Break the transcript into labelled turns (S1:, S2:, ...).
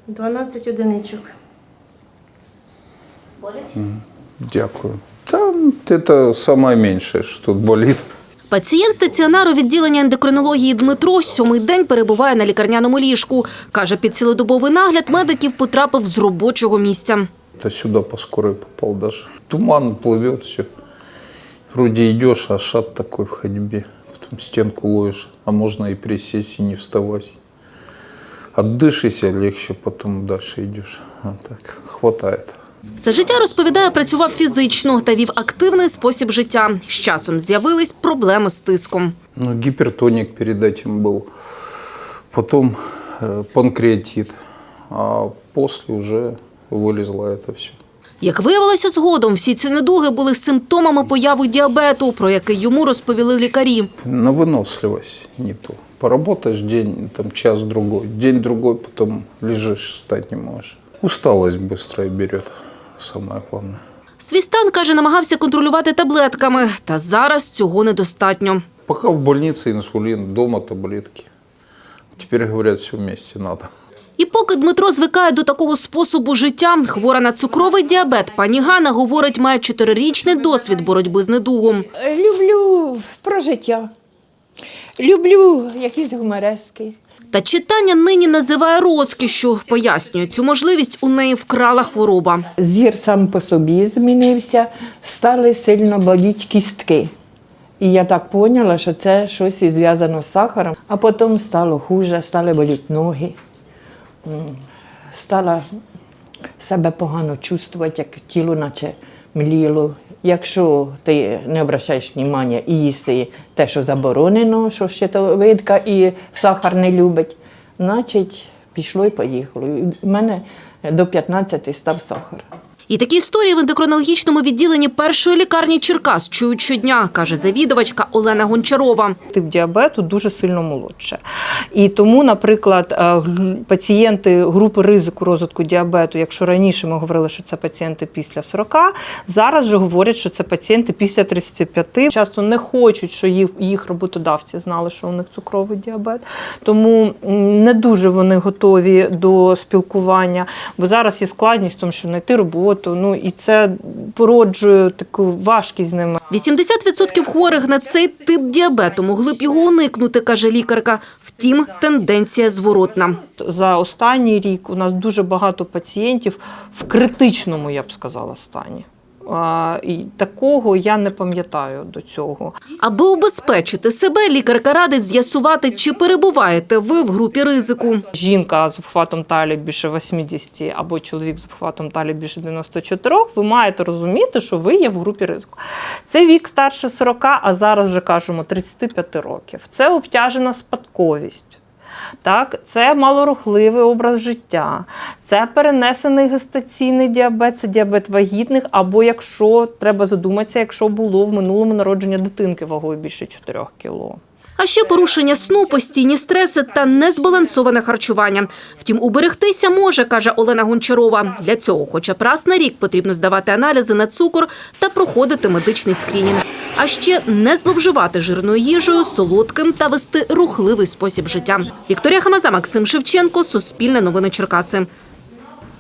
S1: 12 одиничок.
S2: Дякую. Там это самое меньшее, что тут болит.
S3: Пацієнт стаціонару відділення ендокринології Дмитро 7-й день перебуває на лікарняному ліжку. Каже, під цілодобовий нагляд медиків потрапив з робочого місця.
S2: Это сюда по скорой попал даже. Туман плывет, все. Вроде идешь, а шат такой в ходьбе. Потом стенку ловишь, а можно и присесть, и не вставать. Отдышишься легче, потом дальше идешь. А так хватает.
S3: Все життя, розповідає, працював фізично та вів активний спосіб життя. З часом з'явились проблеми з тиском.
S2: Ну, гипертоник перед этим был. Потом панкреатит. А после уже вылезло это все.
S3: Як виявилося згодом, всі ці недуги були симптомами появи діабету, про який йому розповіли лікарі.
S2: На выносливость не то. Поработаешь день, там час-другой, день-другой, потом лежишь, встать не можешь. Усталость быстро берет, самое главное.
S3: Свій стан, каже, намагався контролювати таблетками, та зараз цього недостатньо.
S2: Пока в больнице инсулин, дома таблетки. Теперь говорят, все вместе надо.
S3: І поки Дмитро звикає до такого способу життя, хвора на цукровий діабет, пані Ганна, говорить, має 4-річний досвід боротьби з недугом.
S4: Люблю про життя. Люблю якісь гуморески.
S3: Та читання нині називає розкішшю. Пояснює, цю можливість у неї вкрала хвороба.
S4: Зір сам по собі змінився, стали сильно боліти кістки. І я так поняла, що це щось і зв'язано з сахаром. А потім стало хуже, стали боліти ноги. Стала себе погано чувствувати, як тіло наче мліло. Якщо ти не обращаєш уваги і їси те, що заборонено, що щитовидка і сахар не любить, значить пішло і поїхало. У мене до 15 став сахар.
S3: І такі історії в ендокринологічному відділенні першої лікарні Черкас чують щодня, каже завідувачка Олена Гончарова.
S5: Тип діабету дуже сильно молодше. І тому, наприклад, пацієнти групи ризику розвитку діабету, якщо раніше ми говорили, що це пацієнти після 40, зараз вже говорять, що це пацієнти після 35. Часто не хочуть, що їх роботодавці знали, що у них цукровий діабет. Тому не дуже вони готові до спілкування, бо зараз є складність в тому, що знайти роботу. І це породжує таку важкість з ними.
S3: 80% хворих на цей тип діабету могли б його уникнути, каже лікарка. Втім, тенденція зворотна.
S5: За останній рік у нас дуже багато пацієнтів в критичному, я б сказала, стані. І такого я не пам'ятаю до цього.
S3: Аби убезпечити себе, лікарка радить з'ясувати, чи перебуваєте ви в групі ризику.
S5: Жінка з обхватом талії більше 80 або чоловік з обхватом талії більше 94, ви маєте розуміти, що ви є в групі ризику. Це вік старше 40, а зараз вже кажемо 35 років. Це обтяжена спадковість. Так, це малорухливий образ життя, це перенесений гестаційний діабет, це діабет вагітних, або якщо, треба задуматися, якщо було в минулому народження дитинки вагою більше 4 кіло.
S3: А ще порушення сну, постійні стреси та незбалансоване харчування. Втім, уберегтися може, каже Олена Гончарова. Для цього хоча б раз на рік потрібно здавати аналізи на цукор та проходити медичний скринінг. А ще не зловживати жирною їжею, солодким та вести рухливий спосіб життя. Вікторія Хамаза, Максим Шевченко, Суспільне новини Черкаси.